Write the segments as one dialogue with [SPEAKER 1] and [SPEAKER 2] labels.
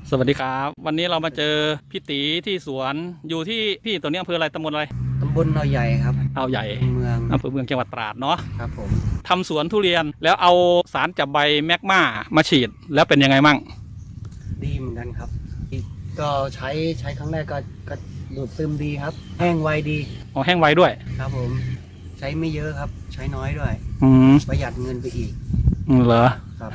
[SPEAKER 1] สวัสดีครับวันนี้เรามาเจอพี่ตีที่สวนอยู่ที่พี่ตัวนี้อำเภออะไรตำบลอะไร
[SPEAKER 2] ตำบลเอาใหญ่ครับ
[SPEAKER 1] เอาใหญ่
[SPEAKER 2] เมือง
[SPEAKER 1] อำเภอเมืองจังหวัดตราดเนาะ
[SPEAKER 2] ครับผม
[SPEAKER 1] ทำสวนทุเรียนแล้วเอาสารจับใบแมกมามาฉีดแล้วเป็นยังไงมั่ง
[SPEAKER 2] ดีเหมือนกันครับก็ใช้ครั้งแรกก็ดูดซึมดีครับแห้งไวดี
[SPEAKER 1] อ๋อแห้งไวด้วย
[SPEAKER 2] ครับผมใช้ไม่เยอะครับใช้น้อยด้วยประหยัดเงินไปอีก
[SPEAKER 1] เหรอ
[SPEAKER 2] ครับ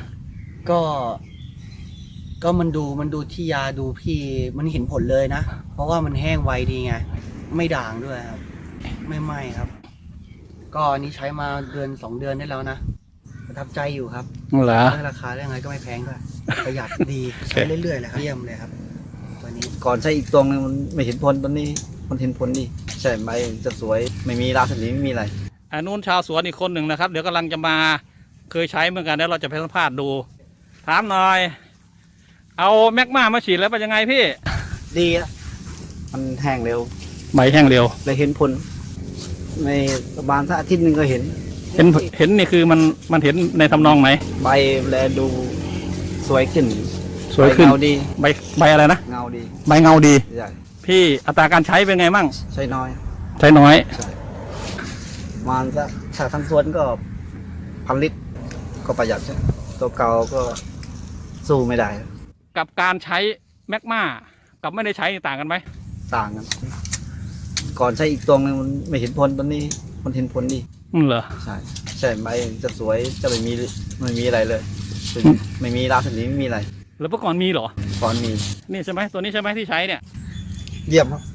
[SPEAKER 2] ก็มันดูที่ยาดูพี่มันเห็นผลเลยนะเพราะว่ามันแห้งไวดีไงไม่ด่างด้วยครับไม่ไหม้ครับก็อันนี้ใช้มา2 เดือนได้แล้วนะประทับใจอยู่ครับ
[SPEAKER 1] เหรอ
[SPEAKER 2] ราคาเรื่องอะไรก็ไม่แพงด้วยประหยัดดีใช้เรื่อยๆเลยครับเยี่ยมเลยครับวันนี้
[SPEAKER 3] ก่อนใช้อีกตัวนึงมันไม่เห็นผลตอนนี้มันเห็นผลดีใช่ใบจะสวยไม่มีราสนีไม่มีอะไร
[SPEAKER 1] อันนู้นชาวสวนอีกคนหนึ่งนะครับเดี๋ยวกำลังจะมาเคยใช้เหมือนกันแล้วเราจะไปสัมภาษณ์ดูถามหน่อยเอาแมกมาฉีดแล้วเป็นยังไงพี่
[SPEAKER 3] ดีอ่ะมันแห้งเร็ว
[SPEAKER 1] ใบแห้งเร็ว
[SPEAKER 3] เลยเห็นผลในประมาณสักอาทิตย์นึงก็เห็น
[SPEAKER 1] นี่คือมันเห็นในทำนองไหน
[SPEAKER 3] ใบแลดูสวยขึ้น
[SPEAKER 1] สวยขึ้น
[SPEAKER 3] เงาดี
[SPEAKER 1] ใบอะไรนะ
[SPEAKER 3] เงาดี
[SPEAKER 1] ใบเงาดี
[SPEAKER 3] ใช่
[SPEAKER 1] พี่อัตราการใช้เป็นไงมั่ง
[SPEAKER 3] ใช้น้อย
[SPEAKER 1] ใช้น้อย
[SPEAKER 3] ใช่ประมาณสักถ้าทั้งสวนก็1,000 ลิตรก็ประหยัดใช่ตัวเก่าก็สู้ไม่ได้
[SPEAKER 1] กับการใช้แมกมากับไม่ได้ใช้ต่างกันไหม
[SPEAKER 3] ต่างกันก่อนใช้อีกตัวนึงมันไม่เห็นผลตอนนี้มันเห็นผลดี
[SPEAKER 1] เหรอ
[SPEAKER 3] ใช่ใบจะสวยจะไม่มีอะไรเลยไม่มีราสนีไม่มีอะไร
[SPEAKER 1] แล้วเมื่อก่อนมีเหรอ
[SPEAKER 3] ก่อนมี
[SPEAKER 1] นี่ใช่ไหมตัวนี้ใช่ไหมที่ใช้เนี่ย
[SPEAKER 3] เยี่ยมครับ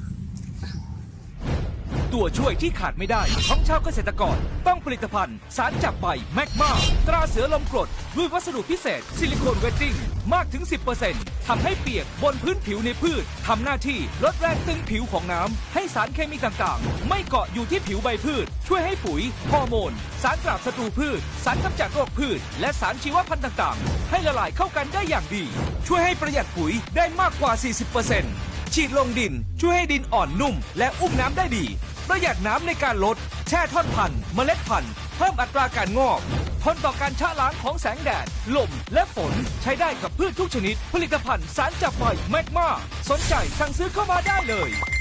[SPEAKER 4] ตัวช่วยที่ขาดไม่ได้ของชาวเกษตรกรต้องผลิตภัณฑ์สารจับใบแมกมาตราเสือลมกรดด้วยวัสดุพิเศษซิลิโคนเวตติ้งมากถึง 10% ทำให้เปียกบนพื้นผิวในพืชทำหน้าที่ลดแรงตึงผิวของน้ำให้สารเคมีต่างๆไม่เกาะอยู่ที่ผิวใบพืชช่วยให้ปุ๋ยฮอร์โมนสารปราบศัตรูพืชสารกำจัดโรคพืชและสารชีวพันธุ์ต่างๆให้ละลายเข้ากันได้อย่างดีช่วยให้ประหยัดปุ๋ยได้มากกว่า 40%ฉีดลงดินช่วยให้ดินอ่อนนุ่มและอุ้มน้ำได้ดีประหยัดน้ำในการลดแช่ท่อนพันธุ์เมล็ดพันธุ์เพิ่มอัตราการงอกทนต่อการชะล้างของแสงแดดลมและฝนใช้ได้กับพืชทุกชนิดผลิตภัณฑ์สารจับใบแมกมาสนใจสั่งซื้อเข้ามาได้เลย